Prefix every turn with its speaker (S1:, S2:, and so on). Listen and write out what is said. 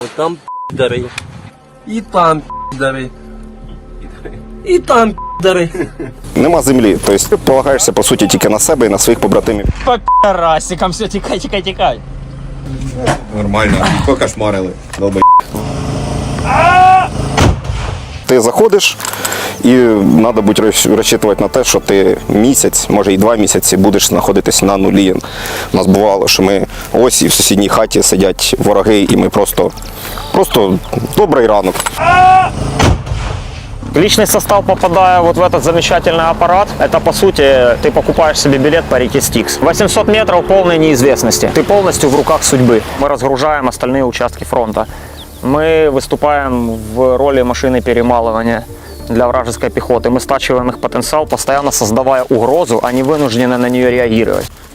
S1: Там пидоры. И там пидоры. І там пидоры.
S2: Нема землі, тобто ти полагаєшся по суті тільки на себе і на своїх побратимів.
S3: По пи***расикам, все, тікай.
S4: Нормально, покошмарили. Долбай.
S2: Ти заходиш і треба бути розчитувати на те, що ти місяць, може і 2 місяці будеш знаходитись на нулі. У нас бувало, що ми ось і в сусідній хаті сидять вороги, і ми просто добрий ранок.
S5: Личный состав, попадая вот в этот замечательный аппарат, это по сути ты покупаешь себе билет по реке Стикс. 800 метров полной неизвестности. Ты полностью в руках судьбы. Мы разгружаем остальные участки фронта. Мы выступаем в роли машины перемалывания для вражеской пехоты. Мы стачиваем их потенциал, постоянно создавая угрозу, а не вынуждены на нее реагировать.